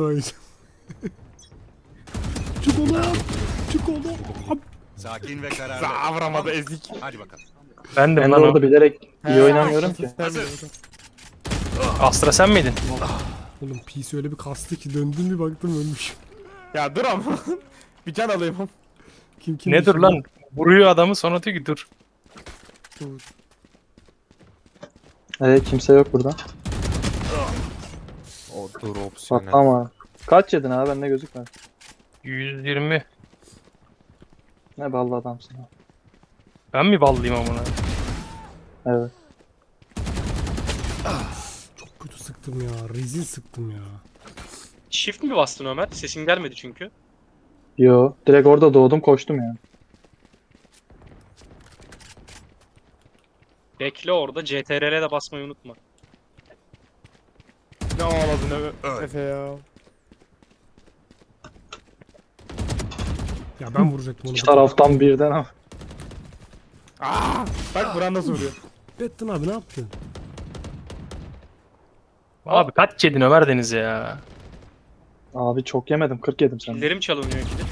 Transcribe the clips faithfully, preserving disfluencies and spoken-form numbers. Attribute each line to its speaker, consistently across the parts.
Speaker 1: oynayacağım. Çık oğlum. Çık oğlum.
Speaker 2: Sakin ve kararlı.
Speaker 3: Aa, vuramadı ezik.
Speaker 2: Hadi bakalım.
Speaker 4: Ben de
Speaker 5: Ben de
Speaker 4: lan o.
Speaker 5: orada bilerek iyi
Speaker 3: He.
Speaker 5: oynamıyorum ki.
Speaker 2: Hazır.
Speaker 4: Astra sen miydin?
Speaker 1: Oğlum P C öyle bir kastı ki döndüm bir baktım ölmüş.
Speaker 3: Ya dur ama. Bir can alayım.
Speaker 1: Kim kim?
Speaker 4: Ne dur lan? Vuruyor adamı sonra diyor ki dur.
Speaker 5: Evet kimse yok burada.
Speaker 6: O dur opsiyonel.
Speaker 5: Patlama. Kaç yedin abi bende gözükmez.
Speaker 4: yüz yirmi.
Speaker 5: Ne ballı adamsın abi.
Speaker 4: Ben mi ballıyım amına?
Speaker 5: Evet.
Speaker 1: Çok kötü sıktım ya. Rezil sıktım ya.
Speaker 7: Shift mi bastın Ömer? Sesin gelmedi çünkü.
Speaker 5: Yo direkt orada doğdum koştum yani.
Speaker 7: Bekle orada. C T R L'e de basmayı unutma.
Speaker 3: Ne ağladın Efe,
Speaker 2: Öl.
Speaker 3: Efe ya.
Speaker 1: Ya ben vuracaktım onu.
Speaker 5: İki taraftan birden ama.
Speaker 3: Aa, bak Buran nasıl vuruyor.
Speaker 1: Bettin abi ne yaptın?
Speaker 4: Abi kaç yedin Ömer Deniz ya?
Speaker 5: Abi çok yemedim kırk yedim senden.
Speaker 7: Killerim çalınıyor ikide.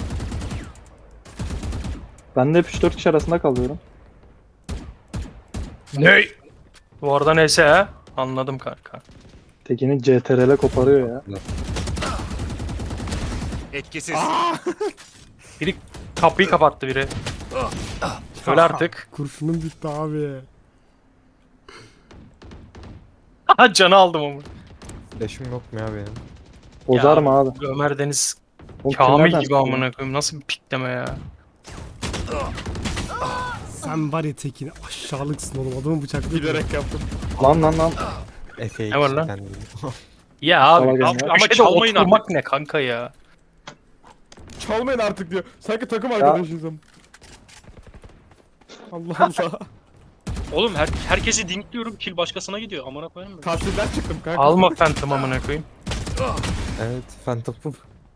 Speaker 5: Ben de hep üç dört kişi arasında kalıyorum.
Speaker 4: Ne? Bu arada neyse ha? Anladım kanka.
Speaker 5: Tekini C T R L koparıyor ya.
Speaker 2: Etkisiz.
Speaker 4: Biri kapıyı kapattı biri. Öyle artık.
Speaker 1: Kurşunum bitti abi.
Speaker 4: Aha canı aldım ama.
Speaker 6: Flash'ım yok mu ya benim?
Speaker 5: Bozar
Speaker 4: Ya,
Speaker 5: mı abi?
Speaker 4: Ömer Deniz
Speaker 5: Oğlum,
Speaker 4: Kamil
Speaker 5: kimlerden
Speaker 4: gibi
Speaker 5: sıkıyor?
Speaker 4: amına koyayım. Nasıl bir pikleme ya?
Speaker 1: Sen var ya Tekin aşağılıksın oğlum. Adamı bıçaklayıp.
Speaker 3: Bilerek yaptım.
Speaker 5: Lan lan lan.
Speaker 6: Efe'yi
Speaker 4: Ne var lan?
Speaker 6: kendim.
Speaker 4: Ya abi,
Speaker 5: Salak
Speaker 4: abi
Speaker 5: ya.
Speaker 4: ama
Speaker 7: Ama çalmayın
Speaker 4: oturmak
Speaker 7: artık.
Speaker 4: ne kanka ya?
Speaker 3: Çalmayın artık diyor. Sanki takım arkadaşıyız ama. Allah Allah.
Speaker 7: Oğlum her, herkesi dinkliyorum. Kill başkasına gidiyor. Amına koyayım mı?
Speaker 3: Tahsilden çıktım kanka.
Speaker 4: Alma Phantom amına koyayım.
Speaker 6: Evet Phantom.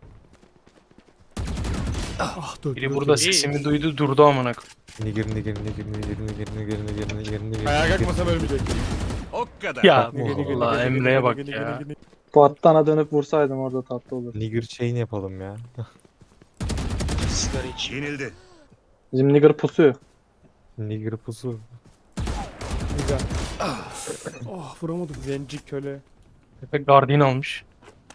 Speaker 1: Ah dört.
Speaker 4: Biri
Speaker 1: dört,
Speaker 4: burada
Speaker 1: dört.
Speaker 4: sesimi duydu durdu amına koyayım.
Speaker 6: Nigir nigir nigir nigir nigir nigir nigir nigir nigir
Speaker 3: Ayağa
Speaker 6: nigir.
Speaker 3: kalkmasam ölmeyecektim.
Speaker 2: O kadar.
Speaker 4: Ya
Speaker 6: Nigir, nigir,
Speaker 4: Allah Emre'ye bak ya.
Speaker 5: Fuat'tan dönüp vursaydım orada tatlı olur.
Speaker 6: Nigger chain yapalım ya.
Speaker 7: Sigara iç.
Speaker 2: Yenildi.
Speaker 5: Bizim nigger pusuyor.
Speaker 6: Nigger pusu.
Speaker 3: Güzel.
Speaker 1: Oh vuramadım.
Speaker 3: Zenci köle.
Speaker 4: Efe Guardian almış.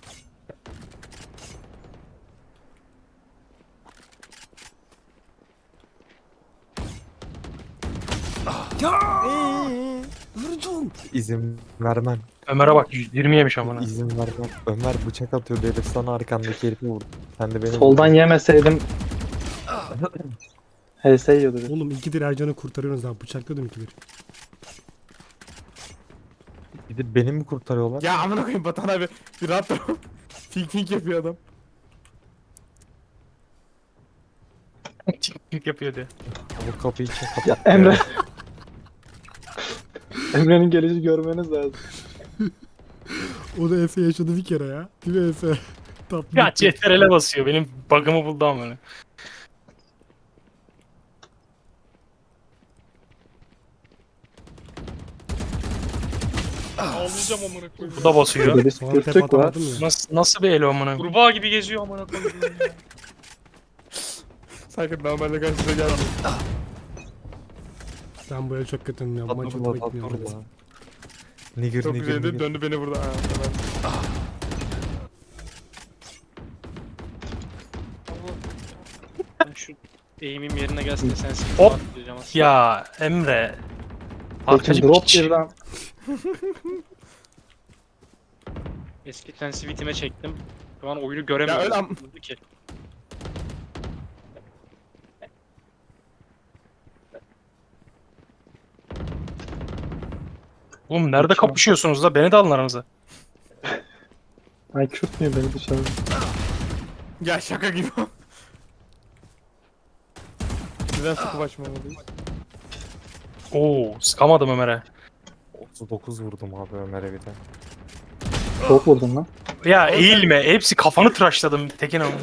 Speaker 1: Vurdun.
Speaker 6: İzin vermem.
Speaker 4: Ömer'e bak yüz yirmi yemiş amına.
Speaker 6: İzin vermem. Ömer bıçak atıyor herif sana arkandaki herifi vurdu. Sen de beni
Speaker 5: Soldan
Speaker 6: vurdun.
Speaker 5: yemeseydim H S yiyordu. bir.
Speaker 1: Oğlum ikidir Ercan'ı kurtarıyorsunuz abi. Bıçakladım ikidir.
Speaker 6: Gidip beni mi kurtarıyorlar?
Speaker 3: Ya amına koyayım Batan abi. Bir rahat dur. Fink fink yapıyor adam.
Speaker 4: Çıkık yapıyor diye.
Speaker 6: Bu kapıyı kim kapattı?
Speaker 5: Ya Emre. Emre'nin gelişi görmeniz lazım.
Speaker 1: O da Efe yaşadı bir kere ya. Değil mi Efe? Tatlı.
Speaker 4: Ya C T R L'e basıyor. Benim bug'ımı buldu amına.
Speaker 7: Ağlayacağım amına koyayım.
Speaker 4: Bu da basıyor.
Speaker 5: Burada bir
Speaker 1: Sonra tep
Speaker 5: sıkıştık var.
Speaker 1: atamadım ya.
Speaker 4: Nasıl nasıl bir elo amına?
Speaker 7: Kurbağa gibi geziyor amına koyayım.
Speaker 3: Sanki normalde karşısına gelmiyor.
Speaker 1: Ben bu el çok kötüyüm ya. Bu maç
Speaker 6: Tatlı
Speaker 1: hoşuma gitmiyor.
Speaker 6: tatlı. Nigger
Speaker 3: Çok
Speaker 6: nigger
Speaker 3: güzeldi.
Speaker 6: nigger.
Speaker 3: Döndü beni vurdu. Ha, tamam.
Speaker 7: Ben şu eğimim yerine gelsin de sensin.
Speaker 4: Hop.
Speaker 7: Atlayacağım aslında.
Speaker 4: Ya Emre.
Speaker 5: Peki
Speaker 4: Arkacı
Speaker 5: drop
Speaker 4: piç.
Speaker 5: birden.
Speaker 7: Eski sensitivitime çektim. Şu an oyunu göremiyorum.
Speaker 3: Ya öyle am-
Speaker 7: Vurdu ki.
Speaker 4: Oğlum nerede kapışıyorsunuz da? Beni de alın aranıza.
Speaker 5: Ay kürtmüyor beni dışarı.
Speaker 3: Ya şaka gibi. Neden sıkı açmamalıyız?
Speaker 4: Oo, sıkamadım Ömer'e.
Speaker 6: otuz dokuz vurdum abi Ömer'e bir de.
Speaker 5: Çok vurdun lan.
Speaker 4: Ya eğilme. Hepsi kafanı tıraşladım Tekin ama.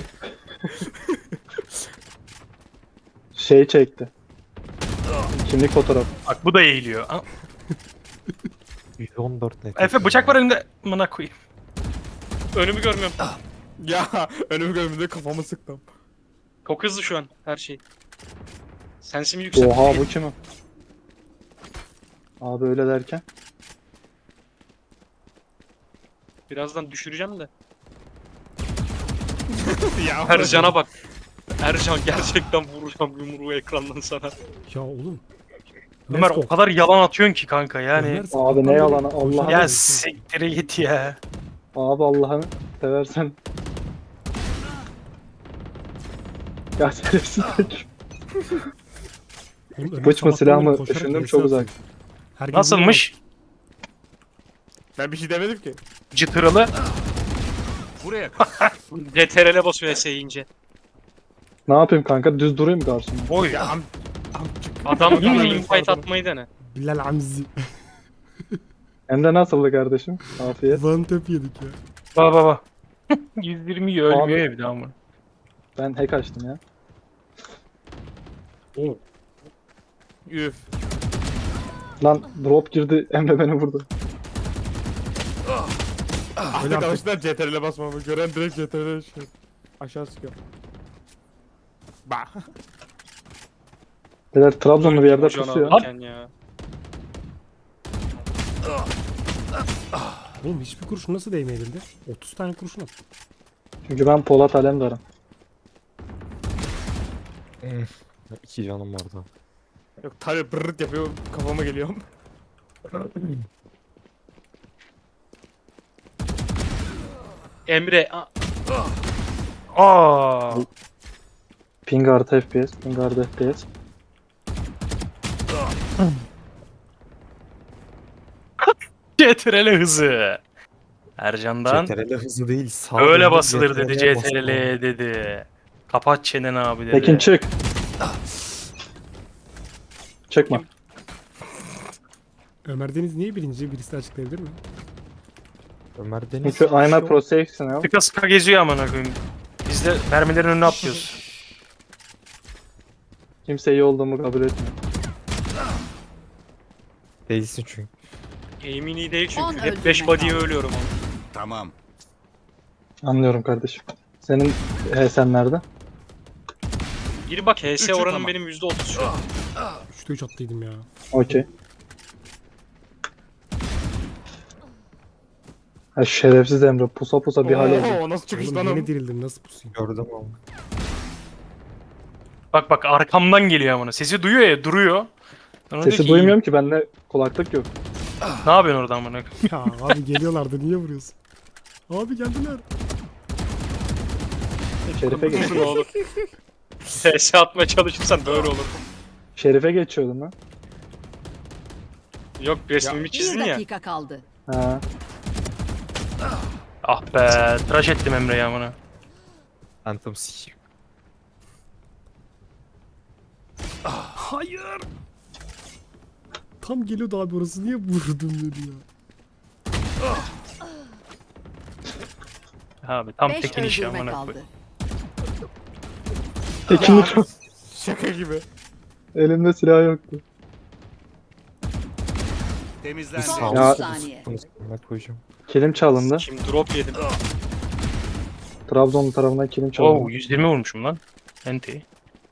Speaker 5: Şey çekti. Kimlik fotoğraf.
Speaker 4: Bak bu da eğiliyor. Aa,
Speaker 6: yüz on dört net.
Speaker 4: Efe bıçak var elinde. Amına koyayım.
Speaker 7: Önümü görmüyorum.
Speaker 3: Ya önümü görmedi kafamı sıktım.
Speaker 7: Çok hızlı şu an her şey. Sensim yüksek.
Speaker 5: Oha bu kim o? Abi öyle derken.
Speaker 7: Birazdan düşüreceğim de.
Speaker 3: Ya
Speaker 7: Ercan'a bak. Ercan gerçekten vuracağım yumruğu ekrandan sana.
Speaker 1: Ya oğlum.
Speaker 4: Ömer
Speaker 1: Let's
Speaker 4: o
Speaker 1: go.
Speaker 4: kadar yalan atıyorsun ki kanka yani.
Speaker 1: Ömer,
Speaker 5: Abi
Speaker 1: sabahtan
Speaker 5: ne
Speaker 1: beri
Speaker 5: yalanı,
Speaker 1: koşuyor.
Speaker 5: Allah'ım.
Speaker 4: Ya siktire git ya.
Speaker 5: Abi Allah'ını seversen. Ya şerefsiz tek.
Speaker 1: Oğlum, Ömer
Speaker 5: Bıç mı
Speaker 1: sabahtan
Speaker 5: silah
Speaker 1: beri
Speaker 5: mı?
Speaker 1: koşarak
Speaker 5: Düşündüm
Speaker 1: V S
Speaker 5: çok
Speaker 1: atıyor.
Speaker 5: uzak.
Speaker 1: Herkes
Speaker 4: Nasılmış?
Speaker 3: Ben bir şey demedim ki.
Speaker 4: Çıtırılı.
Speaker 2: Buraya kadar.
Speaker 7: C T R L'e basıyor S yiyince.
Speaker 5: Ne yapayım kanka? Düz durayım karşımda.
Speaker 4: Oy.
Speaker 3: Ya am amcık.
Speaker 7: Adam gibi
Speaker 3: Pardon,
Speaker 7: invite
Speaker 3: pardon.
Speaker 7: atmayı dene.
Speaker 1: Bilal Hamzi.
Speaker 5: Hem de nasıldı kardeşim? Afiyet.
Speaker 1: One tap yedik ya.
Speaker 4: Baba baba. yüz yirmi iyi ölmüyor
Speaker 5: Abi.
Speaker 4: ya bir daha mı?
Speaker 5: Ben hack açtım ya.
Speaker 3: Üf.
Speaker 5: Lan drop girdi. Emre beni vurdu.
Speaker 3: Artık
Speaker 1: artık.
Speaker 3: alıştılar C T R L'e basmamı. Gören direkt C T R L'e şey. Aşağı sıkıyor. Bah.
Speaker 5: Beyler Trabzonlu bir yerde
Speaker 7: Hocan
Speaker 5: pusuyor.
Speaker 7: alırken ya.
Speaker 1: Oğlum hiçbir kurşun nasıl değmedi elinde? otuz tane kurşun at.
Speaker 5: Çünkü ben Polat Alemdar'ım.
Speaker 6: İki canım vardı.
Speaker 3: Yok tabi brrrt yapıyor kafama geliyorum.
Speaker 7: Emre a-
Speaker 4: Aa.
Speaker 5: Ping artı F P S. Ping artı F P S.
Speaker 4: C T R L hızı. Ercan'dan
Speaker 6: C T R L hızı değil. Sağ
Speaker 4: öyle
Speaker 6: döndüm,
Speaker 4: basılır dedi C T
Speaker 6: basma.
Speaker 4: R L dedi. Kapat çeneni abi dedi.
Speaker 5: Tekin çık. Çıkma.
Speaker 1: Ömer Deniz niye birinci? Birisi de açıklayabilir mi?
Speaker 6: Ömer Deniz.
Speaker 5: Çünkü I'm a pro sexy now.
Speaker 4: Sıka sıka geziyor amına koyayım. Biz de mermilerin önüne atlıyoruz.
Speaker 5: Kimse iyi olduğumu kabul etmiyor.
Speaker 6: Değilsin çünkü.
Speaker 7: aim'in iyi değil
Speaker 8: On
Speaker 7: çünkü. Hep
Speaker 8: öldürme
Speaker 7: beş body'ye
Speaker 8: kaldı.
Speaker 7: ölüyorum ama.
Speaker 2: Tamam.
Speaker 5: Anlıyorum kardeşim. Senin H S'en nerede?
Speaker 7: Gir bak H S
Speaker 2: Üçü
Speaker 7: oranım
Speaker 2: tamam.
Speaker 7: benim yüzde otuz şu an.
Speaker 1: üçte üç attıydım ya.
Speaker 5: Okey. Ha şerefsiz Emre pusa pusa bir hal oldu.
Speaker 3: Oo nasıl çıkış
Speaker 1: Oğlum
Speaker 3: lan
Speaker 1: yeni
Speaker 3: o?
Speaker 1: dirildim nasıl pusayım?
Speaker 6: Gördüm ama.
Speaker 4: Bak bak arkamdan geliyor amına. Sesi duyuyor ya duruyor. Sonra diyor
Speaker 5: Sesi
Speaker 4: ki,
Speaker 5: duymuyorum ki bende kulaklık yok.
Speaker 4: Ne yapıyorsun orada amına koyayım?
Speaker 1: Ya abi geliyorlardı niye vuruyorsun? Abi geldiler.
Speaker 5: Şerife
Speaker 7: Ne
Speaker 5: geçiyordum.
Speaker 7: olur. H S atmaya çalışırsan böyle olur.
Speaker 5: Şerife geçiyordum lan.
Speaker 7: Yok resmimi
Speaker 8: Bir
Speaker 7: çizdin ya.
Speaker 8: dakika kaldı.
Speaker 5: Ha.
Speaker 4: Ah be tıraş ettim Emre'yi amına.
Speaker 6: Phantom sikiyim.
Speaker 1: Hayır. Tam geliyordu abi orası niye vurdun dedi ya.
Speaker 4: Abi tam
Speaker 8: Beş
Speaker 4: tekin işi
Speaker 8: öldürme
Speaker 4: amına
Speaker 8: kaldı.
Speaker 4: koyayım.
Speaker 5: Tekinlik
Speaker 3: Şaka gibi.
Speaker 5: elimde silah yoktu.
Speaker 2: Temizlendi.
Speaker 8: Son
Speaker 5: Ya-
Speaker 8: otuz saniye.
Speaker 6: Bunu s**ime koyacağım.
Speaker 5: Kilim çalındı.
Speaker 7: Kim drop yedim.
Speaker 5: Trabzon tarafından kilim çalındı.
Speaker 4: Oo yüz yirmi vurmuşum lan. Enti.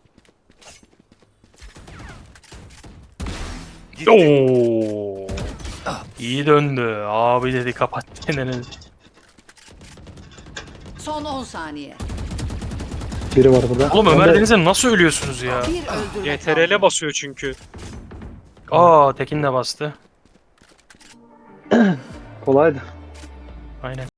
Speaker 2: Gitti.
Speaker 4: Oo. İyi döndü. Abi dedi kapat çeneni.
Speaker 8: Son on saniye.
Speaker 5: Biri var burada.
Speaker 4: Oğlum
Speaker 5: Ben
Speaker 4: Ömer
Speaker 5: de-
Speaker 4: Deniz'e nasıl ölüyorsunuz ya?
Speaker 8: Bir öldürme
Speaker 7: C T R L'e
Speaker 8: kaldı.
Speaker 7: basıyor çünkü.
Speaker 4: Aa Tekin de bastı.
Speaker 5: Kolaydı.
Speaker 4: Aynen.